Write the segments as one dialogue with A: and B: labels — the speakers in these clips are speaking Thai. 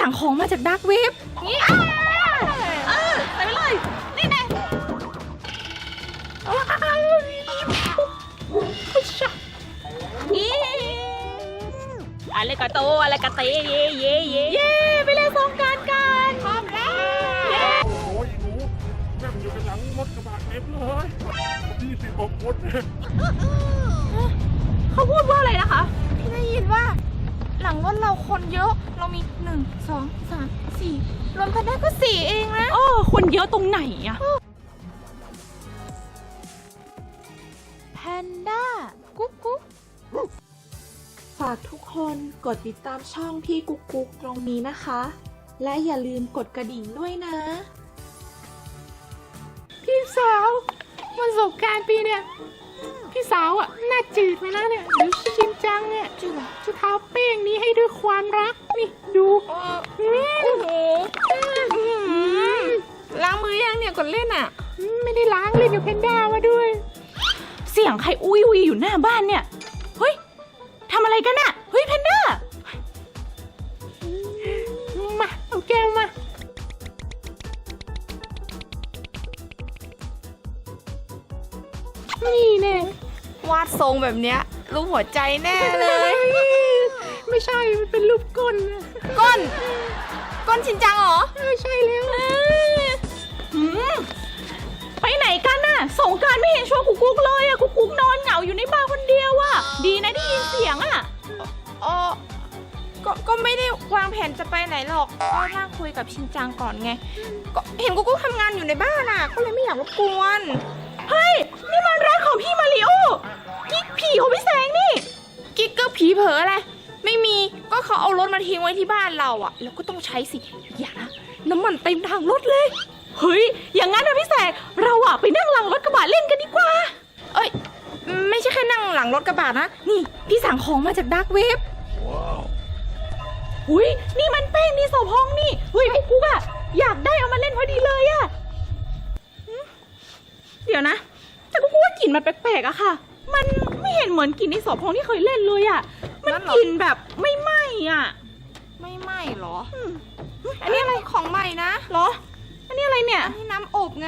A: สั่งของมาจากดาร์กเว็บนี่ใส่ไปเลยนี่แน่อะไรกะโตอะไรกะเตเย่เย่เย่เย่ไปเล่นสงกรานต์กันพร้อมแล้ว
B: โอ้ยหนูนั่งอยู่กันหลังรถกระบะเต็มเลย26 คน
A: เขาพูดว่าอะไรนะคะ
C: พี่ได้ยินว่าหลังรถเราคนเยอะเรามี1 2 3 4รวมกันได้ก็4เองนะ
A: คนเยอะตรงไหนอะ
C: แพนด้ากุ๊กกุ๊ก
D: ฝากทุกคนกดติดตามช่องพี่กุ๊กกุ๊กตรงนี้นะคะ และอย่าลืมกดกระดิ่งด้วยนะ
C: พี่สาววันสงกรานต์ปีเนี่ยพี่สาวอ่ะหน้าจืดไปแล้วเนี่ยเดี๋ยวชินจังเนี่ยจะทาแป้งนี้ให้ด้วยความรักนี่ดูโอ้โหล้างมือยังเนี่ยก่อนเล่นอ่ะไม่ได้ล้างเล่นกับแพนด้ามาด้วย
A: เสียงใครอุ้ยอยู่หน้าบ้านเนี่ยเฮ้ยทำอะไรกันอะเฮ้ยแพนด้า
C: มาเอาแก้วมานี่แน่วาดทรงแบบเนี้ยรูปหัวใจแน่เลยไม่ใช่มันเป็นรูปก้นก้นชินจังเหรอใช่แล้ว
A: ไปไหนกันน่ะสงกรานต์ไม่เห็นชวนกุ๊กกุ๊กเลยอะกุ๊กกุ๊กนอนเหงาอยู่ในบ้านคนเดียวอะดีนะได้ยินเสียงอะ
C: ก็ไม่ได้วางแผนจะไปไหนหรอกก็นั่งคุยกับชินจังก่อนไงก็เห็นกุ๊กกุ๊กทำงานอยู่ในบ้านอะก็เลยไม่อยากรบกวน
A: เฮ้ยนี่มันร้านของพี่มาริโอกิ๊กผีของพี่แสงนี่
C: กิ๊กก็ผีเผลออะไรไม่มีก็เขาเอารถมาทิ้งไว้ที่บ้านเราอะแล้วก็ต้องใช้สิอย่านะน้ำมันเต็มทางรถเลย
A: เฮ้ยอย่างงั้นนะพี่แสงเราอะไปนั่งหลังรถกระบะเล่นกันดีกว่า
C: เอ้ยไม่ใช่แค่นั่งหลังรถกระบะนะนี่พี่สั่งของมาจากดาร์กเว็บ
A: อุ้ยนี่มันแป้งนี่โสพองนี่เฮ้ยกุ๊กอะอยากได้เอามาเล่นพอดีเลยอะเดี๋ยวนะแต่กุ๊กว่ากลิ่นมันแปลกๆอะค่ะมันไม่เห็นเหมือนกลิ่นในโสพองที่เคยเล่นเลยอะมันกลิ่นแบบไม่ไหม้อะ
C: ไม่ไหม้หรออันนี้อะไรของใหม่นะ
A: หรออันนี้อะไรเนี่ย
C: อันนี้น้ำอบไง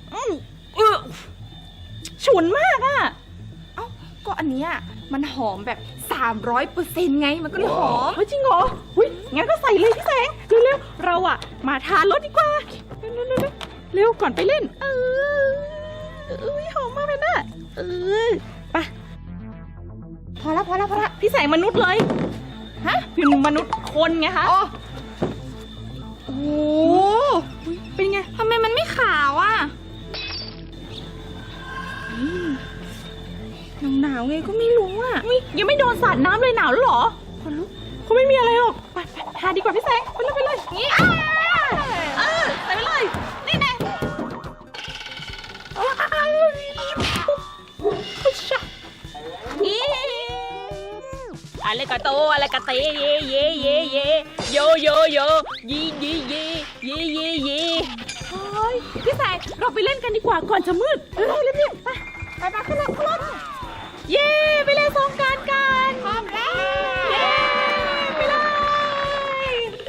A: ฉุนมากอะ
C: เอ้าก็อันนี้มันหอมแบบ300%ไงมันก็เลยหอม
A: จริงเหรออุ้ยงั้นก็ใส่เลยพี่แสงเร็วๆเราอะมาทานรสดีกว่าเร็วก่อนไปเล่นหอมมากเลยนะไป
C: พอละ
A: พี่แสงมนุษย์เลยฮะเป็นมนุษย์คนไงคะ
C: โอ้
A: เป็นไง
C: ทำไมมันไม่ขาวอ่ะหนาวไงก็ไม่รู้อ่ะ
A: ยังไม่โดนสาดน้ำเลยหนาวแล้วหรอ
C: คนลุก
A: เขาไม่มีอะไรหรอกไปทาดีกว่าพี่แสงไปเลยนี่ใส่ไปเลยนี่แน่อะไรกะโตอะไรกะเตเย่เย่เย่เย่โยโยโยยียีเย่เย่เย่เย่เฮ้ยพี่แสงเราไปเล่นกันดีกว่าก่อนจะมืดเร็วไปขึ้นรถเย่ไปเล่นสงกรานต์กัน
C: พร้อมแล้ว
A: เย่ไปเลย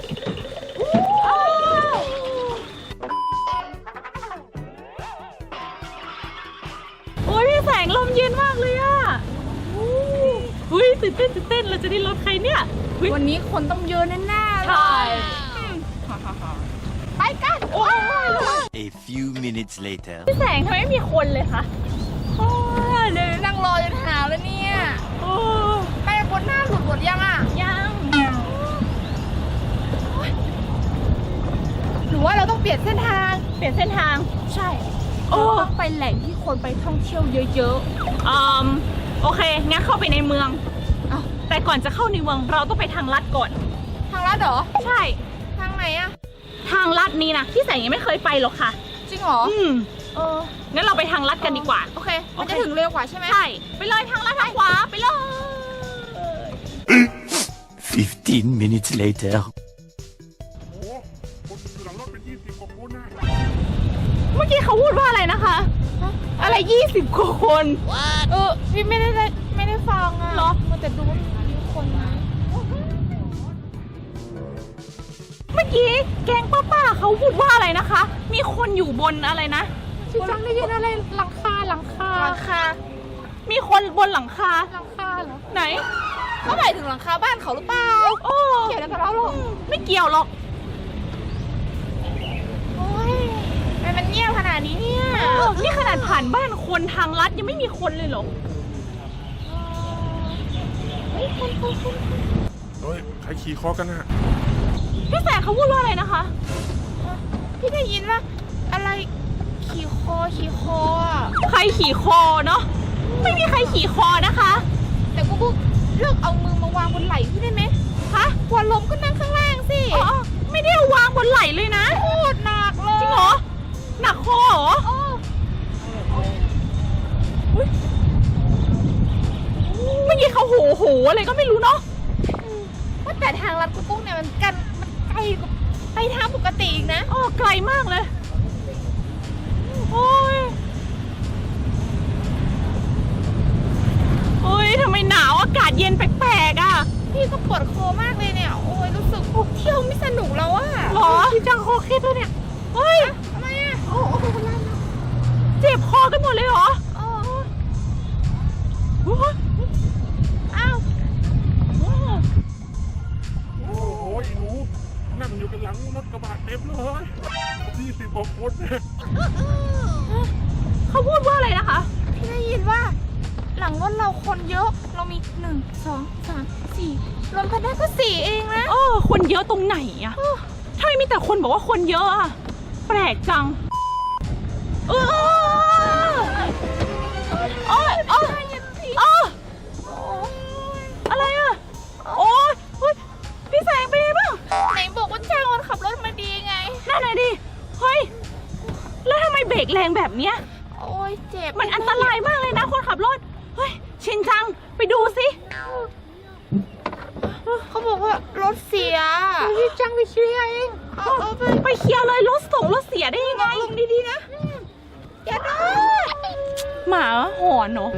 A: โอ้ยพี่แสงลมเย็นมากเลยอะอุ้ยตื่นเต้นเราจะได้รถใครเนี่ย
C: วันนี้คนต้องเยอะแน่ๆเลยไปกัน
E: A few minutes later
A: พี่แสงทำไมไม่มีคนเลยคะ
C: เดี๋ยวนั่งรอจนหาวแล้วเนี่ยไปบนหน้าหลุดยังอ่ะ
A: ยัง
C: หรือว่าเราต้องเปลี่ยนเส้นทาง
A: ใช่
C: ต้องไปแหล่งที่คนไปท่องเที่ยวเยอะ
A: ๆโอเคงั้นเข้าไปในเมืองแต่ก่อนจะเข้าในเมืองเราต้องไปทางลัดก่อน
C: ทางลัดเหรอ
A: ใช่
C: ทางไหนอะ
A: ทางลัดนี้นะพี่แสงยังไม่เคยไปหรอกค่ะ
C: จริงเหรอ
A: งั้นเราไปทางลัดกันดีกว่า
C: โอเคมันจะถึงเร็วกว่าใช่ไหม
A: ใช่ไปเลยทางลัดทางขวาไปเลย
E: 15 minutes later
B: โอ้คนอยู่หลังรถเป็น20 กว่าคนนะ
A: เมื่อกี้เขาพูดว่าอะไรนะคะอะไร20 กว่าคน
C: พี่ไม่ได้ฟังอ่ะ
A: หรอ
C: มันแต่ดูว่ามีคนนะ
A: เมื่อกี้แก๊งป้าเขาพูดว่าอะไรนะคะ มีคนอยู่บนอะไรนะ
C: ชินจังได้ยินอะไรหลังคา
A: หลังคา มีคนบนหลังคา
C: เหรอ
A: ไหน
F: เขาหมายถึงหลังคาบ้านเขาหรือเปล่า
A: โอ้
F: เกี่ยวอะไรกับเราหรอ
A: ไม่เกี่ยวหรอก
F: โอ้ยทำไมมันเงียบขนาดนี้เนี่ย
A: นี่ขนาดผ่านบ้านคนทางลัดยังไม่มีคนเลยเหรอ
B: เฮ้ยใครขี่คอกันน่ะ
A: พี่แสงเขาพูดว่าอะไรนะคะ
F: พี่ได้ยินว่าอะไรขี่คออ่ะ
A: ใครขี่คอเนาะ ไม่มีใครขี่คอนะคะ
F: แต่กูเลิกเอามือมาวางบนไหล่พี่ได้ไหม
A: ฮะ
F: กลัวลมก็นั่งข้างล่างสิ
A: อ๋อไม่ได้เอาวางบนไหล่เลยนะ
F: โคตรหนักเลย
A: จริงเหรอ หนักคอเหรอ เมื่อกี้เขาโหอะไรก็ไม่รู้เนาะ
F: ว่าแต่ทางลัดกุ๊กเนี่ยมันไกลกว่าไปทางปกติอีกนะ
A: อ๋อไกลมากเลย โอ้ย โอ้ยทำไมหนาวอากาศเย็นแปลกๆอ่ะ
F: พี่ก็ปวดคอมากเลยเนี่ย โอ้ยรู้สึกเที่ยวไม่สนุกแล้วอะ
A: หรอชินจังคอเคล็ดแล้วเนี่ย เฮ้ย
F: ทำไมอะ
A: เจ็บคอกันหมดเลยเหรอ
F: โอ้
A: โอ้ย
F: อ้าว
B: โอ้โหไอ้หนูนั่งอยู่กันหลังรถกระบะเต็มเลย20 กว่าคนเนี่ย
A: เขาพูดว่าอะไรนะคะ
F: พี่ได้ยินว่า หลังรถเราคนเยอะ เรามี1 2 3 4รวมกันได้ก็4เองนะ
A: คนเยอะตรงไหนอะทำไมมีแต่คนบอกว่าคนเยอะอะแปลกจังอะไรอะโอ้ยพี่แสงเป็นไงบ้าง
F: ไหนบอกว่าจ้างคนขับรถมาดีไง
A: นั่นน่ะดิ เฮ้ย แล้วทำไมเบรกแรงแบบเนี้ย
F: โอ้ยเจ็บ
A: มันอันตรายมากเลยนะคนขับรถ เฮ้ย ชินจัง ไปดูสิ
F: เขาบอกว่ารถเสีย
C: ชินจังไปเคลียร์เอง
F: เอาไป
A: ไปเคลียร์เลยรถส่งรถเสียได้ยังไง
F: ลงดีๆนะอย่านะ
A: หมาหอนเหรอ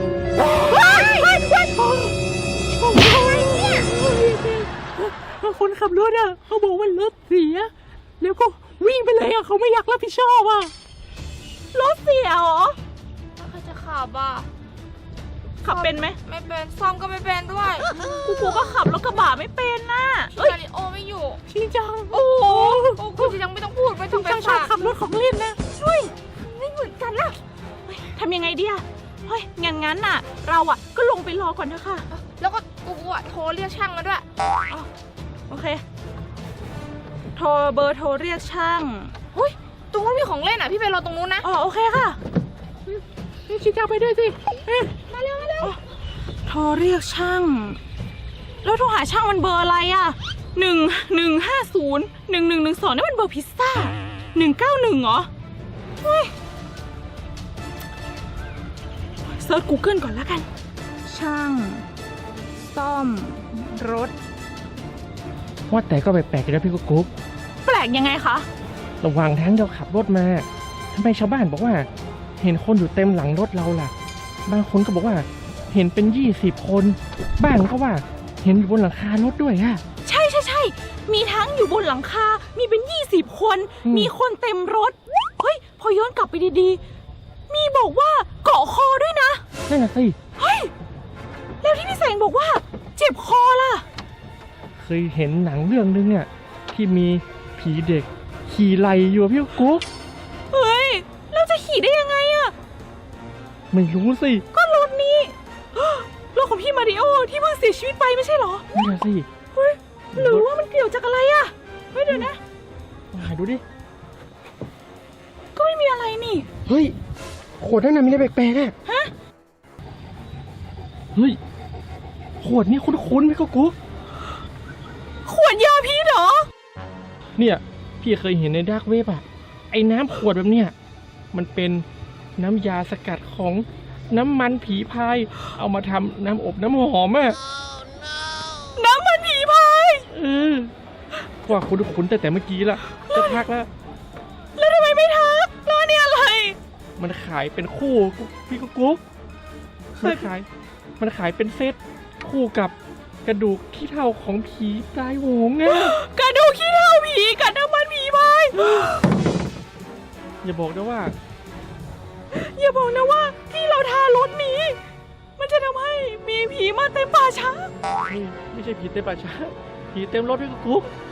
C: คนขับรถอ่ะเขาบอกว่ารถเสีย แล้วก็วิ่งไปเลยอ่ะเขาไม่อยากรับผิดชอบอ่ะ
A: รถเสียเหรอ
F: ใครจะขับอ่ะ
A: ขับเป็นไหม
F: ไม่เป็นซ่อมก็ไม่เป็นด้วย
A: กูก็ขับรถกระบะไม่เป็นน่ะ
F: พี่มาริโอไม่อยู่
C: ชินจัง
A: โอ้โห
F: โอ้กูยังไม่ต้องพูดไม่ต้องไป
C: จังชอบ
F: ฝาก
C: ขับรถของเล่นนะ
A: ช่วย
F: ไม่เหมือนกันล่ะ
A: ทำยังไงดีอะเฮ้ย งั้นน่ะ เราอะก็ลงไปรอก่อนเถอะค่ะ
F: แล้วก็กูอ่ะโทรเรียกช่างมาด้วย
A: โอเค โทรเบอร์โทรเรียกช่าง
F: อุ้ยตรงนู้นมีของเล่นอ่ะพี่ไปรอตรงนู้นนะ
A: อ๋อโอเคค่ะ
C: ชินจังไปด้วยสิ
F: มาเร็ว
A: โทรเรียกช่าง แล้วโทรหาช่างมันเบอร์อะไรอะ1150 1112นี่มันเบอร์พิซซ่า191เหรอเฮ้ยเซิร์ช Google ก่อนแล้วกัน ช่าง ซ่อม รถ
G: ว่าแต่ก็แปลกๆอยู่นะพี่กุ๊ก
A: แปลกยังไงคะ
G: ระหว่างทางเราขับรถมาทำไมชาวบ้านบอกว่า เห็นคนอยู่เต็มหลังรถเราล่ะ บางคนก็บอกว่า เห็นเป็น20 คนบ้างก็ว่าเห็นอยู่บนหลังคารถด้วยฮะ
A: ใช่มีทั้งอยู่บนหลังคา มีเป็น20 คน
G: อืม
A: มีคนเต็มรถ เฮ้ย พอย้อนกลับไปดีๆ มีบอกว่าเกาะคอด้วยนะ
G: นั่นน่ะสิ
A: เฮ้ย แล้วที่พี่แสงบอกว่า เจ็บคอล่ะ
G: เคยเห็นหนังเรื่องนึงอ่ะที่มีผีเด็กขี่ไหลอยู่อะพี่กุ๊ก
A: เฮ้ย แล้วจะขี่ได้ยังไงอะ
G: ไม่รู้สิ
A: ก็รถนี้ รถของพี่มาริโอที่เพิ่งเสียชีวิตไปไม่ใช่เหรอ
G: นั่นน่ะสิ
A: เฮ้ย หรือว่ามันเกี่ยวจากอะไรอะเฮ้ยเดี๋ยวนะ
G: หาดูดิ
A: ก็ไม่มีอะไรนี่
G: เฮ้ยขวดนั่นน่ะมีอะไรแปลกๆอ่ะ
A: ฮะ
G: เฮ้ยขวดนี้คุ้นๆพี่กุ๊ก
A: ขวดยาพิษเหรอ
G: เนี่ยพี่เคยเห็นในดาร์กเว็บอะไอ้น้ำขวดแบบเนี้ยมันเป็นน้ำยาสกัดของน้ำมันผีพาย เอามาทำน้ำอบน้ำหอมอะ
A: น้ำมันผีพาย
G: ว่าคุ้นๆแต่เมื่อกี้ละจะพักแล้ว
A: แล้วทำไมไม่ทักแล้วเนี่ยอะไร
G: มันขายเป็นคู่พี่กุ๊กมันขายเป็นเซตคู่กับกระดูกขี้เถ้าของผีตายโหงอะ
A: กระดูกขี้เถ้าผีกับน้ำมัน
G: อย่าบอกนะว่า
A: อย่าบอกนะว่าที่เราทารถนี้ มันจะทำให้มีผีมาเต็มป่าช้า
G: ไม่ใช่ผีเต็มป่าช้าผีเต็มรถพี่กุ๊ก